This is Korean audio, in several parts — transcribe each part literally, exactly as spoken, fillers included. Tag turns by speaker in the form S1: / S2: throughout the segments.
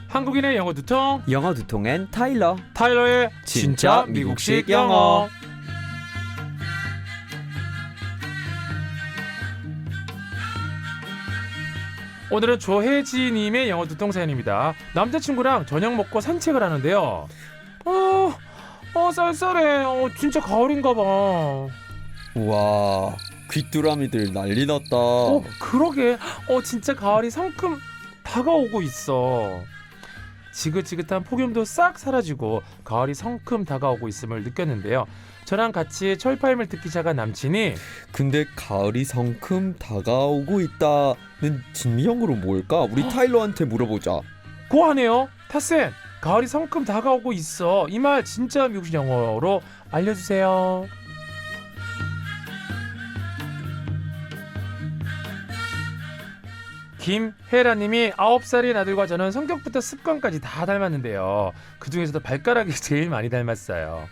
S1: 한국인의 영어 두통,
S2: 영어 두통엔 타일러.
S1: 타일러의
S2: 진짜
S1: 진짜 미국식
S2: 미국식
S1: 영어.
S2: 영어.
S1: 오늘은 조혜지님의 영어 두통 사연입니다. 남자친구랑 저녁 먹고 산책을 하는데요. 어, 어 쌀쌀해. 어, 진짜 가을인가 봐.
S2: 우와, 귀뚜라미들 난리 났다.
S1: 어, 그러게. 어, 진짜 가을이 성큼 다가오고 있어. 지긋지긋한 폭염도 싹 사라지고 가을이 성큼 다가오고 있음을 느꼈는데요. 저랑 같이 철파임을 듣기 시작한 남친이
S2: 근데 가을이 성큼 다가오고 있다는 진명으로 뭘까? 우리 타일러한테 물어보자.
S1: 고하네요. 타쌤, 가을이 성큼 다가오고 있어. 이 말 진짜 미국식 영어로 알려주세요. 김혜라님이 아홉 살인 아들과 저는 성격부터 습관까지 다 닮았는데요. 그중에서도 발가락이 제일 많이 닮았어요.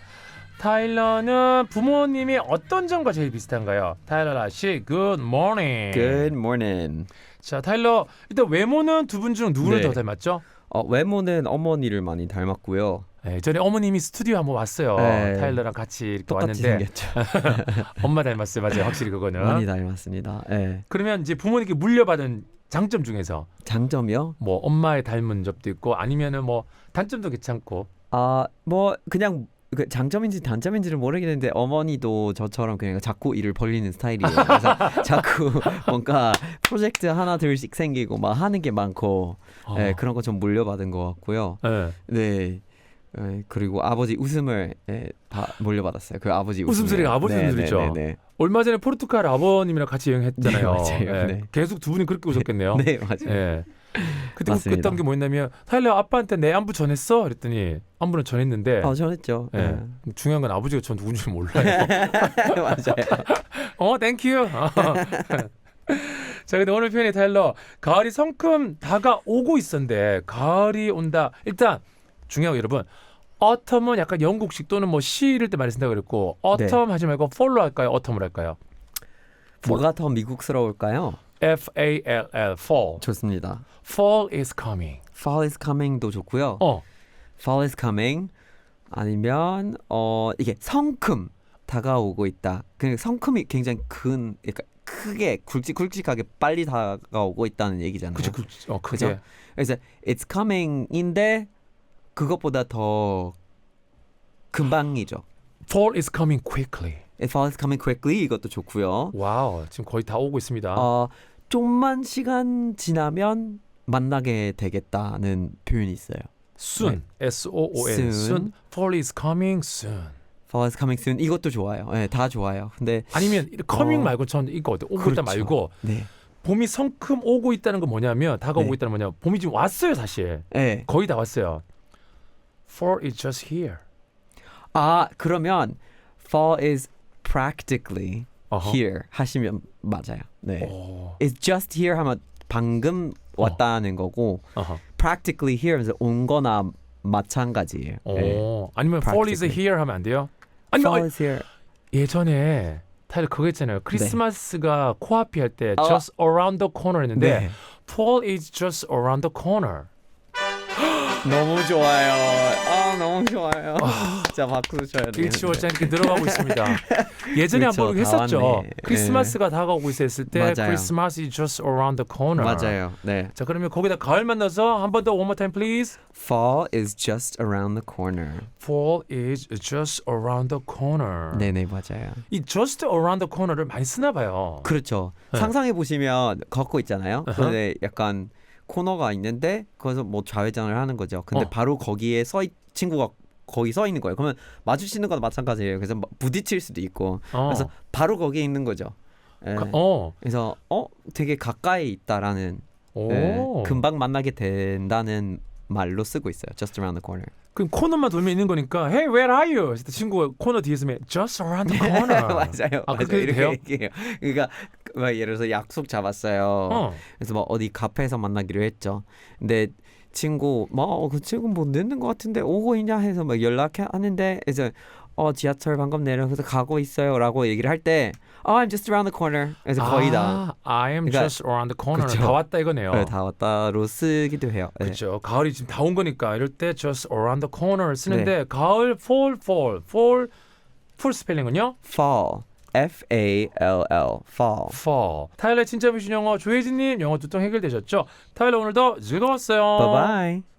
S1: 타일러는 부모님이 어떤 점과 제일 비슷한가요? 타일러 아씨, good morning.
S2: Good morning.
S1: 자, 타일러, 일단 외모는 두 분 중 누구를
S2: 네.
S1: 더 닮았죠?
S2: 어, 외모는 어머니를 많이 닮았고요.
S1: 네, 전에 어머님이 스튜디오 한번 왔어요.
S2: 네.
S1: 타일러랑 같이 이렇게
S2: 똑같이
S1: 왔는데
S2: 생겼죠.
S1: 엄마 닮았어요. 맞아요. 확실히 그거는.
S2: 많이 닮았습니다. 네.
S1: 그러면 이제 부모님께 물려받은 장점 중에서
S2: 장점이요?
S1: 뭐 엄마의 닮은 점도 있고 아니면은 뭐 단점도 괜찮고.
S2: 아, 뭐 그냥 그 장점인지 단점인지를 모르겠는데 어머니도 저처럼 그냥 자꾸 일을 벌리는 스타일이에요. 그래서 자꾸 뭔가 프로젝트 하나 둘씩 생기고 막 하는 게 많고
S1: 어.
S2: 네, 그런 거 좀 물려받은 것 같고요.
S1: 네.
S2: 네. 네, 그리고 아버지 웃음을 네, 다 물려받았어요. 그 아버지 웃음.
S1: 웃음소리가 아버지 웃음소리죠.
S2: 네, 네,
S1: 얼마 전에 포르투갈 아버님이랑 같이 여행했잖아요.
S2: 네, 맞아요. 네.
S1: 계속 두 분이 그렇게 웃었겠네요.
S2: 네, 네 맞아요.
S1: 네. 그때
S2: 맞습니다.
S1: 그랬던 게 뭐였냐면 타일러 아빠한테 내 안부 전했어? 그랬더니 안부는 전했는데
S2: 어, 전했죠.
S1: 네.
S2: 네.
S1: 중요한 건 아버지가 전 누군지 몰라요.
S2: 맞아요.
S1: 어, 땡큐. 자, 근데 오늘 표현이 타일러 가을이 성큼 다가오고 있었는데 가을이 온다. 일단 중요한 거 여러분. autumn은 약간 영국식 또는 뭐 시 이럴 때 많이 쓴다고 그랬고 autumn 하지 말고 fall로 할까요? autumn을 할까요?
S2: 뭐가 더 미국스러울까요?
S1: F A L L fall.
S2: 좋습니다.
S1: fall is coming.
S2: Fall is coming도 좋고요.
S1: 어.
S2: Fall is coming 아니면 어 이게 성큼 다가오고 있다. 그 성큼이 굉장히 큰, 그러니까 크게 굵직굵직하게 빨리 다가오고 있다는 얘기잖아요.
S1: 그죠, 그, 어, 그게.
S2: 그죠? 그래서 it's coming인데 그것보다 더 금방이죠.
S1: fall is coming quickly.
S2: Fall is coming quickly 이것도 좋고요.
S1: 와우, 지금 거의 다 오고 있습니다.
S2: 어, 좀만 시간 지나면 만나게 되겠다는 표현이 있어요.
S1: soon, S O O N,
S2: Soon.
S1: soon. fall is coming soon.
S2: Fall is coming soon 이것도 좋아요. 네, 다 좋아요. 근데
S1: 아니면 coming
S2: 어,
S1: 말고 전 이거 어때? 오고
S2: 그렇죠.
S1: 있다 말고
S2: 네,
S1: 봄이 성큼 오고 있다는 건 뭐냐면 다가오고
S2: 네.
S1: 있다는 뭐냐? 봄이 지금 왔어요, 사실.
S2: 네.
S1: 거의 다 왔어요. fall is just here.
S2: 아 그러면 fall is practically
S1: 어허.
S2: here 하시면 맞아요. 네.
S1: 오.
S2: It's just here 하면 방금 왔다는 거고
S1: 어허.
S2: practically here 하면서 온거나 마찬가지예요.
S1: 오.
S2: 네.
S1: 아니면 fall is
S2: Practically.
S1: here 하면 안 돼요? 아니면
S2: Fall
S1: 어,
S2: is here.
S1: 예전에 타일러 그거 있잖아요. 크리스마스가 코앞이 할 때
S2: 어.
S1: just around the corner 했는데
S2: 네.
S1: fall is just around the corner.
S2: 너무 좋아요. 아 너무 좋아요. 진짜 박수 쳐야 돼요.
S1: 일치월장 이렇게 늘어가고 있습니다. 예전에
S2: 그렇죠,
S1: 한번
S2: 다
S1: 했었죠.
S2: 왔네.
S1: 크리스마스가 다가오고 있었을 때
S2: 맞아요.
S1: Christmas is just around the corner.
S2: 맞아요. 네.
S1: 자, 그러면 거기다 가을 만나서 한 번 더 one more time please.
S2: Fall is just around the corner.
S1: Fall is just around the corner.
S2: 네네 맞아요.
S1: 이 just around the corner를 많이 쓰나 봐요.
S2: 그렇죠.
S1: 네.
S2: 상상해 보시면 걷고 있잖아요.
S1: 어허.
S2: 그런데 약간 코너가 있는데 거기서 뭐 좌회전을 하는 거죠. 근데
S1: 어.
S2: 바로 거기에 서 있, 친구가 거기 서 있는 거예요. 그러면 마주치는 거나 마찬가지예요. 그래서 막 부딪힐 수도 있고.
S1: 어.
S2: 그래서 바로 거기에 있는 거죠. 예.
S1: 가- 어.
S2: 그래서 어 되게 가까이 있다라는
S1: 오.
S2: 예, 금방 만나게 된다는 말로 쓰고 있어요. Just around the corner.
S1: 그럼 코너만 돌면 있는 거니까 Hey, where are you? 그때 친구가 코너 뒤에 있으면 Just around the corner.
S2: 맞아요.
S1: 아,
S2: 맞아요.
S1: 그렇게
S2: 이렇게
S1: 돼요?
S2: 얘기해요. 그러니까 막 예를 들어서 약속 잡았어요.
S1: 어.
S2: 그래서 막 어디 카페에서 만나기로 했죠. 근데 친구 뭐 그 친구 뭐 늦는 것 같은데 오고 있냐 해서 막 연락하는데 이제 어 지하철 방금 내려서 가고 있어요라고 얘기를 할 때 oh, I'm just around the corner. 그래서 거의 다
S1: 아, I am
S2: 그러니까-
S1: just around the corner.
S2: 그쵸.
S1: 다 왔다 이거네요.
S2: 네, 다 왔다로 쓰기도 해요. 네.
S1: 그렇죠. 가을이 지금 다 온 거니까 이럴 때 just around the corner 쓰는데
S2: 네.
S1: 가을 fall fall fall 풀 스펠링은요?
S2: fall. F A L L. fall.
S1: fall. 타일러의 진짜 미신 영어 조혜진님 영어 두통 해결되셨죠? 타일러 오늘도 즐거웠어요.
S2: Bye bye.